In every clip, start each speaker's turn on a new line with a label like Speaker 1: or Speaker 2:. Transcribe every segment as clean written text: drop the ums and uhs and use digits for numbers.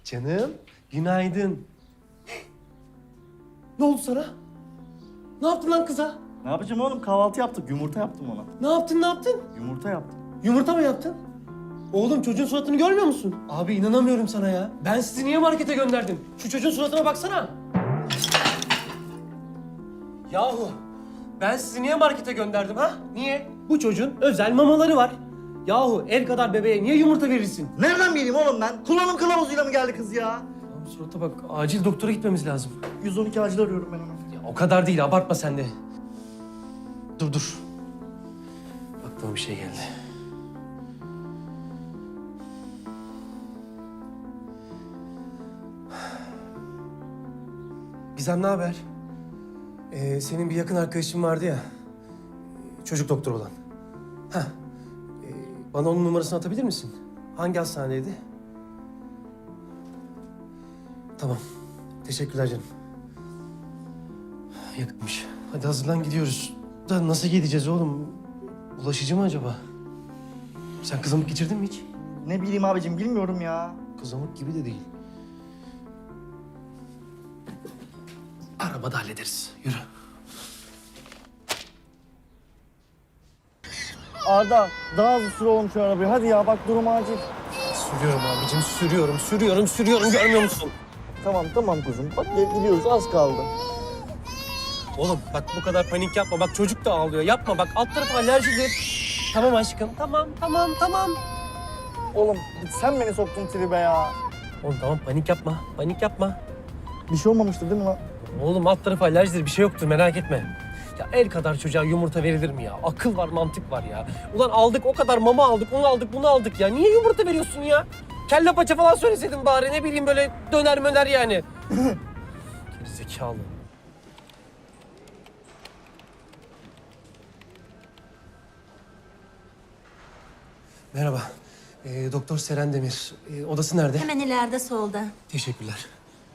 Speaker 1: Canım, günaydın. Ne oldu sana? Ne yaptın lan kıza?
Speaker 2: Ne yapacağım oğlum? Kahvaltı yaptık. Yumurta yaptım ona.
Speaker 1: Ne yaptın, ne yaptın?
Speaker 2: Yumurta yaptım.
Speaker 1: Yumurta mı yaptın? Oğlum çocuğun suratını görmüyor musun? Abi inanamıyorum sana ya. Ben sizi niye markete gönderdim? Şu çocuğun suratına baksana. Yahu ben sizi niye markete gönderdim ha? Niye? Bu çocuğun özel mamaları var. Yahu el kadar bebeğe niye yumurta verirsin?
Speaker 2: Nereden bileyim oğlum ben? Kullanım kılavuzuyla mı geldi kız ya?
Speaker 1: Abi surata bak, acil doktora gitmemiz lazım.
Speaker 2: 112 acil arıyorum ben hemen.
Speaker 1: Ya o kadar değil, abartma sen de. Dur. Aklıma bir şey geldi. Gizem ne haber? Senin bir yakın arkadaşın vardı ya. Çocuk doktoru olan. Heh. Bana onun numarasını atabilir misin? Hangi hastanedeydi? Tamam. Teşekkürler canım. Yakınmış. Hadi hazırlan gidiyoruz. Da nasıl gideceğiz oğlum? Bulaşıcı mı acaba? Sen kızamık geçirdin mi hiç?
Speaker 2: Ne bileyim abicim bilmiyorum ya.
Speaker 1: Kızamık gibi de değil. Arabada hallederiz. Yürü.
Speaker 2: Arda daha hızlı sür oğlum şu arabayı. Hadi ya bak durum acil.
Speaker 1: Sürüyorum abicim, sürüyorum. Görmüyor musun?
Speaker 2: Tamam kuzum. Bak gidiyoruz az kaldı.
Speaker 1: Oğlum bak bu kadar panik yapma. Bak çocuk da ağlıyor. Yapma bak, alt tarafı alerjidir. Tamam aşkım. Tamam.
Speaker 2: Oğlum sen beni soktun tribe ya.
Speaker 1: Oğlum tamam, panik yapma.
Speaker 2: Bir şey olmamıştı değil mi lan?
Speaker 1: Oğlum alt tarafı alerjidir, bir şey yoktur, merak etme. Ya el kadar çocuğa yumurta verilir mi ya? Akıl var, mantık var ya. Ulan aldık o kadar mama aldık, onu aldık, bunu aldık ya. Niye yumurta veriyorsun ya? Kelle paça falan söyleseydin bari, ne bileyim böyle döner möner yani. Gerizekalı. Merhaba. Doktor Seren Demir. Odası nerede?
Speaker 3: Hemen ileride solda.
Speaker 1: Teşekkürler.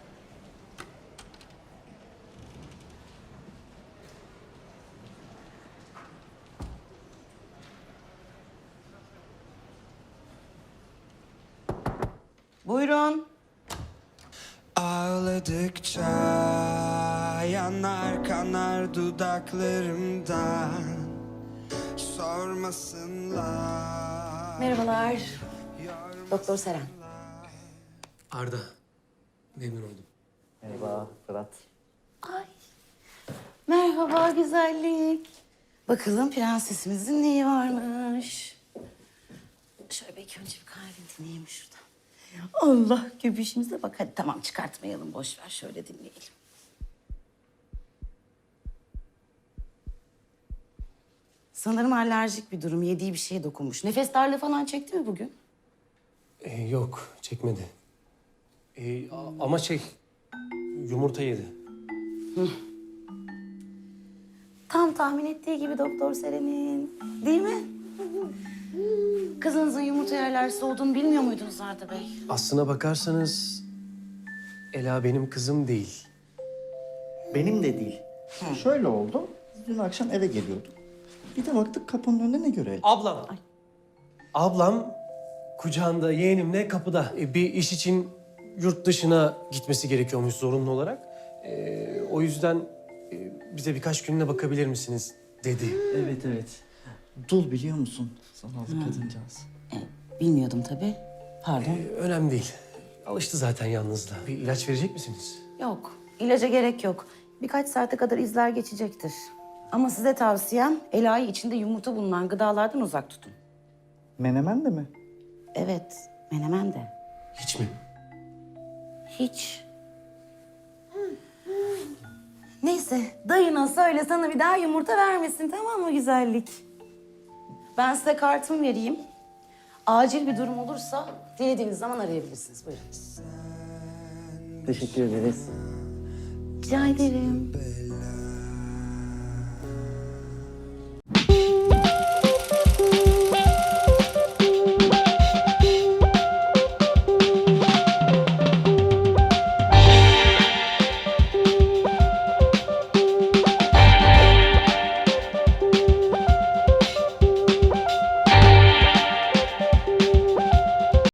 Speaker 4: Buyurun.
Speaker 5: Ağladıkça yanar kanar dudaklarımdan sormasınlar.
Speaker 3: Merhabalar. Doktor Seren.
Speaker 1: Arda. Memnun oldum.
Speaker 2: Merhaba Fırat.
Speaker 4: Ay. Merhaba güzellik. Bakalım prensesimizin neyi varmış. Şöyle belki önce bir kahve dinleyelim şuradan. Allah göbüşümüze bak. Hadi tamam çıkartmayalım boş ver şöyle dinleyelim. Sanırım alerjik bir durum. Yediği bir şeye dokunmuş. Nefes darlığı falan çekti mi bugün?
Speaker 1: Yok, çekmedi. Ama yumurta yedi.
Speaker 4: Tam tahmin ettiği gibi Doktor Seren'in. Değil mi? Kızınızın yumurtaya alerjisi olduğunu bilmiyor muydunuz Arda Bey?
Speaker 1: Aslına bakarsanız Ela benim kızım değil.
Speaker 2: Benim de değil. Şöyle oldu. Dün akşam eve geliyorduk. Bir de baktık kapının önünde ne görelim?
Speaker 1: Ablam. Ablam kucağında yeğenimle kapıda. Bir iş için yurt dışına gitmesi gerekiyormuş zorunlu olarak. O yüzden bize birkaç gününe bakabilir misiniz dedi.
Speaker 2: Evet. Dul biliyor musun? Zavallı kadıncağız.
Speaker 4: Bilmiyordum tabii. Pardon.
Speaker 1: Önemli değil. Alıştı zaten yalnızlığa. Bir ilaç verecek misiniz?
Speaker 4: Yok. İlaca gerek yok. Birkaç saate kadar izler geçecektir. Ama size tavsiyem Ela'yı içinde yumurta bulunan gıdalardan uzak tutun.
Speaker 2: Menemen de mi?
Speaker 4: Evet, menemen de.
Speaker 1: Hiç mi?
Speaker 4: Hiç. Neyse, dayına söyle sana bir daha yumurta vermesin, tamam mı güzellik? Ben size kartımı vereyim. Acil bir durum olursa dilediğiniz zaman arayabilirsiniz. Buyurun.
Speaker 2: Teşekkür ederiz.
Speaker 4: Rica ederim.